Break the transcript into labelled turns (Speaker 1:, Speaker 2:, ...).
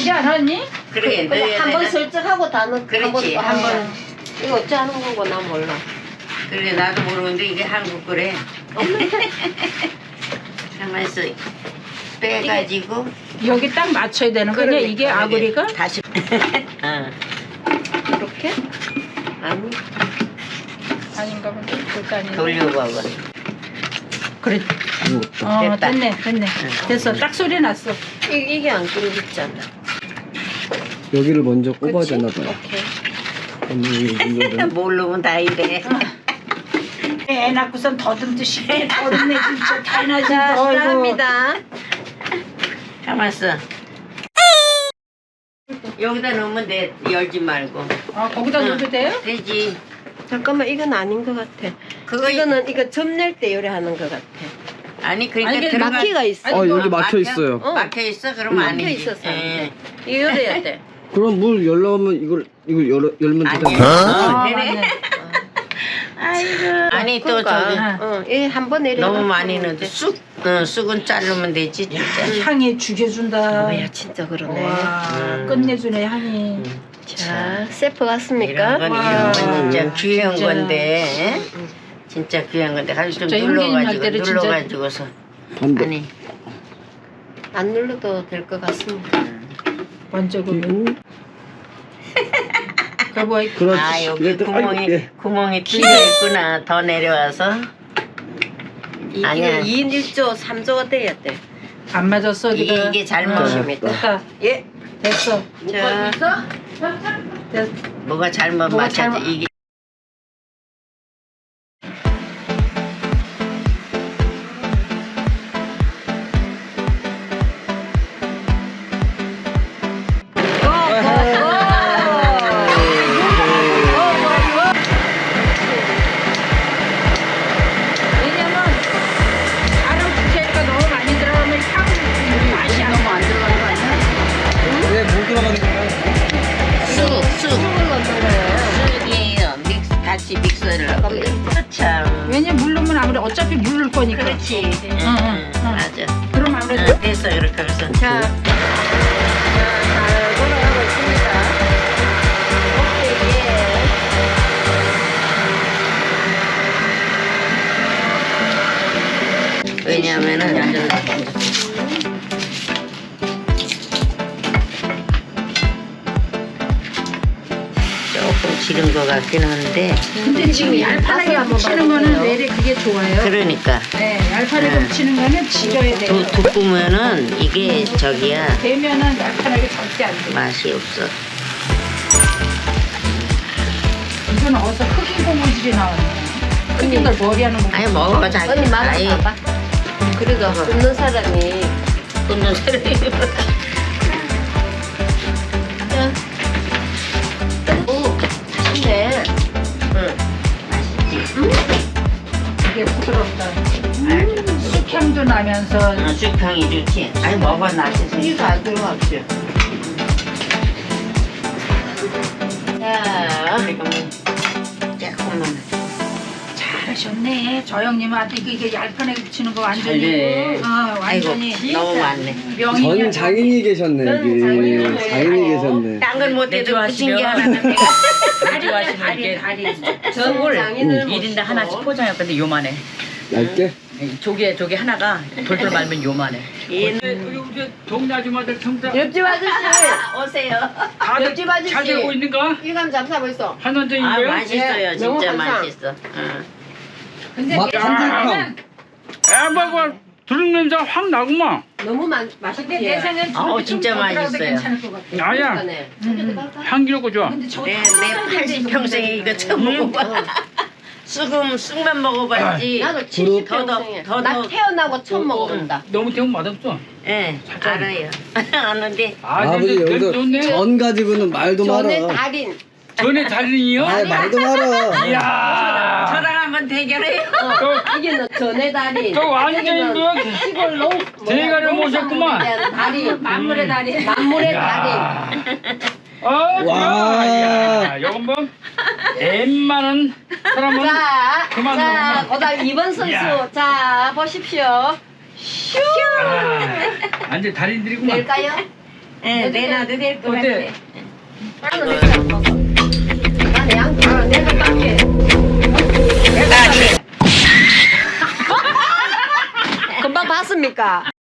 Speaker 1: 넣지 않았니?
Speaker 2: 그래,
Speaker 3: 그냥 한번 설정하고 다 넣고
Speaker 2: 그렇지, 한 번.
Speaker 3: 이거 어찌 하는 거고 난 몰라.
Speaker 2: 그래, 나도 모르는데 이게 한국 거래. 가만있어. 빼가지고.
Speaker 1: 여기 딱 맞춰야 되는 거냐?
Speaker 3: 그러니까,
Speaker 1: 이게 아구리가?
Speaker 2: 다시. 어.
Speaker 3: 이렇게? 아니.
Speaker 1: 아닌가 본데. 그것도 아닌데.
Speaker 2: 돌려봐봐.
Speaker 1: 그래.
Speaker 2: 됐다.
Speaker 1: 됐네. 됐어. 딱 소리 났어.
Speaker 3: 이게 안 끊겼잖아.
Speaker 4: 여기를 먼저 꼽아야
Speaker 3: 그치?
Speaker 4: 되나 봐요.
Speaker 3: 오케이.
Speaker 4: 이거를
Speaker 2: 모르면 다 이래.
Speaker 1: 애 낳고선 더듬듯이 더듬네 진짜 다이나지.
Speaker 3: 자, 시작합니다.
Speaker 2: 가만있어. 여기다 넣으면 돼. 열지 말고.
Speaker 1: 아 거기다 넣어도 돼요?
Speaker 2: 되지.
Speaker 3: 잠깐만, 이건 아닌 것 같아.
Speaker 2: 그거
Speaker 3: 이거 점 낼 때 요리하는 것 같아.
Speaker 2: 아니, 그러니까
Speaker 1: 아니,
Speaker 2: 들어가.
Speaker 3: 막히가 있어.
Speaker 4: 여기 막혀 있어요.
Speaker 2: 막혀 있어? 그러면
Speaker 3: 막혀
Speaker 2: 아니지.
Speaker 3: 있었어.
Speaker 2: 예.
Speaker 3: 이거 열어야 돼.
Speaker 4: 그럼 물 열려면 이걸 열면
Speaker 2: 아니,
Speaker 4: 되잖아요.
Speaker 1: 아,
Speaker 2: 되네.
Speaker 1: 맞네.
Speaker 2: 아이고. 아니, 또
Speaker 3: 그러니까,
Speaker 2: 저기.
Speaker 3: 이게 한번 내려.
Speaker 2: 너무 많이 넣어도 쑥은 자르면 되지, 진짜.
Speaker 1: 향이 죽여준다.
Speaker 3: 뭐야, 진짜 그러네.
Speaker 1: 와 끝내주네 향이.
Speaker 3: 자, 세프 같습니까?
Speaker 2: 이런 건
Speaker 1: 와,
Speaker 2: 진짜 귀한
Speaker 1: 진짜.
Speaker 2: 건데. 진짜 귀한 건데. 가서 좀
Speaker 1: 저 형제님 할
Speaker 2: 눌러가지고,
Speaker 1: 때는 진짜-
Speaker 2: 눌러가지고서.
Speaker 4: 안 돼.
Speaker 2: 아니.
Speaker 3: 안 눌러도 될 것 같습니다.
Speaker 1: 먼저 그 뭐
Speaker 4: 그렇지.
Speaker 2: 아, 여기
Speaker 4: 이랬더니,
Speaker 2: 구멍이,
Speaker 4: 아이고, 예.
Speaker 2: 구멍이 뚫려 있구나. 더 내려와서. 아니야.
Speaker 3: 2인 1조, 3조가 돼야 돼.
Speaker 1: 안 맞았어 어디가.
Speaker 2: 이게 잘못.
Speaker 1: 됐다.
Speaker 3: 예.
Speaker 1: 됐어.
Speaker 3: 자,
Speaker 1: 됐.
Speaker 2: 뭐가 잘못
Speaker 1: 뭐가
Speaker 2: 맞춰져.
Speaker 1: 잘못-
Speaker 2: 이게.
Speaker 1: 왜냐면 다른 부채가 너무 많이 들어가면 향 맛이 너무 안 들어가는 거 아니야?
Speaker 4: 물 들어가는 거야?
Speaker 2: 쑥.
Speaker 3: 쑥을 넣는 거예요.
Speaker 2: 쑥이에요. 같이 믹서를 하고. 참.
Speaker 1: 왜냐면 물 넣으면 아무래도 어차피 물 넣을 거니까.
Speaker 2: 그렇지.
Speaker 1: 응.
Speaker 2: 맞아.
Speaker 1: 그럼 아무래도
Speaker 2: 됐어. 이렇게 해서.
Speaker 3: 자, 잘 돌아가고 있습니다. 오케이,
Speaker 2: 왜냐면은 조금 지른 것 같긴 한데.
Speaker 1: 근데 지금 얄판하게
Speaker 3: 한번
Speaker 1: 붙이는 거는
Speaker 3: 봐주세요.
Speaker 1: 왜 그게 좋아요?
Speaker 2: 그러니까
Speaker 1: 네, 얄판하게 붙이는 거는 지져야 돼요.
Speaker 2: 굽으면은 이게 저기야
Speaker 1: 되면은 얄판하게 절대 안 돼.
Speaker 2: 맛이 없어.
Speaker 1: 이건 어디서 흑인 고무줄이 나왔네. 흑인들 머리 하는 거.
Speaker 2: 아니 먹어봐 자기.
Speaker 3: 언니 맛을
Speaker 2: 아이,
Speaker 3: 봐봐. 그래도 굽는 사람이
Speaker 2: 굽는 사람이.
Speaker 3: 오, 맛있네.
Speaker 2: 응. 맛있지.
Speaker 1: 이게 부드럽다. 쑥향도 나면서
Speaker 2: 쑥향이 좋지. 아니 먹어 나지.
Speaker 3: 이거 안 들어갔죠?
Speaker 2: 자, 지금은 조금만.
Speaker 1: 잘하셨네. 저 형님한테 이게 얄판하게 붙이는 거 완전히.
Speaker 2: 잘해.
Speaker 1: 완전히.
Speaker 2: 아이고 너무 많네.
Speaker 1: 명인이야.
Speaker 4: 전 장인이 계셨네 여기.
Speaker 3: 장인이
Speaker 4: 장인이 계셨네.
Speaker 2: 딴 건 못해도 붙인 게 하나는
Speaker 1: 다리, 다리.
Speaker 3: 전 장인을
Speaker 5: 1인당 하나씩 포장했는데 요만해.
Speaker 4: 얇게?
Speaker 5: 조개 하나가 돌돌 말면 요만해.
Speaker 6: 우리 동네 아줌마들 평소
Speaker 3: 옆집 아저씨,
Speaker 2: 오세요.
Speaker 3: 옆집 아저씨.
Speaker 6: 잘 되고 있는가?
Speaker 3: 일감 잡사고 있어.
Speaker 6: 한원정인
Speaker 2: 아
Speaker 6: 거요?
Speaker 2: 맛있어요.
Speaker 3: 예,
Speaker 2: 진짜
Speaker 3: 너무 감사.
Speaker 2: 맛있어. 응.
Speaker 1: 근데
Speaker 4: 막 한
Speaker 6: 애봐봐 두릅 냄새가 확 나구만.
Speaker 3: 너무
Speaker 1: 근데
Speaker 3: 맛있지?
Speaker 1: 내 생각엔
Speaker 2: 아우,
Speaker 1: 저기 좀
Speaker 2: 진짜
Speaker 1: 더 들어가도
Speaker 2: 맛있어요.
Speaker 1: 괜찮을 것 같아.
Speaker 6: 아야 향기롭고 좋아.
Speaker 1: 근데 저
Speaker 2: 내 80평생에 이거 처음 먹어봐. 쑥만 먹어봤지.
Speaker 3: 나도
Speaker 4: 두릅?
Speaker 3: 70평생에. 나 태어나고 처음 먹어본다.
Speaker 6: 너무 태우면 맛없어.
Speaker 2: 예, 알아요. 아는데
Speaker 4: 아버지 여기서
Speaker 6: 좋네.
Speaker 4: 전 가지고는 말도
Speaker 3: 전에
Speaker 4: 마라.
Speaker 3: 달인.
Speaker 6: 전에 달인이요?
Speaker 4: 아 말도 마라.
Speaker 6: 이야.
Speaker 2: 저랑 한번 대결해요.
Speaker 3: 이게 너 전에 달인.
Speaker 6: 또 완전히
Speaker 3: 여기는
Speaker 6: 그
Speaker 3: 시골로
Speaker 6: 대가를 모셨구만.
Speaker 3: 달인.
Speaker 1: 만물의 달인.
Speaker 3: 만물의 달인.
Speaker 6: 야. 어,
Speaker 4: 와.
Speaker 6: 야, 요건 뭐 웬만한 사람은
Speaker 3: 자,
Speaker 6: 그만
Speaker 3: 자,
Speaker 6: 먹어봐.
Speaker 3: 그다음 2번 선수.
Speaker 6: 야.
Speaker 3: 자, 보십시오. 슈.
Speaker 6: 완전 달인들이구만.
Speaker 3: 될까요?
Speaker 2: 예, 내놔도 될 것 같아.
Speaker 3: 나는 양 내가 깎게. 금방 봤습니까?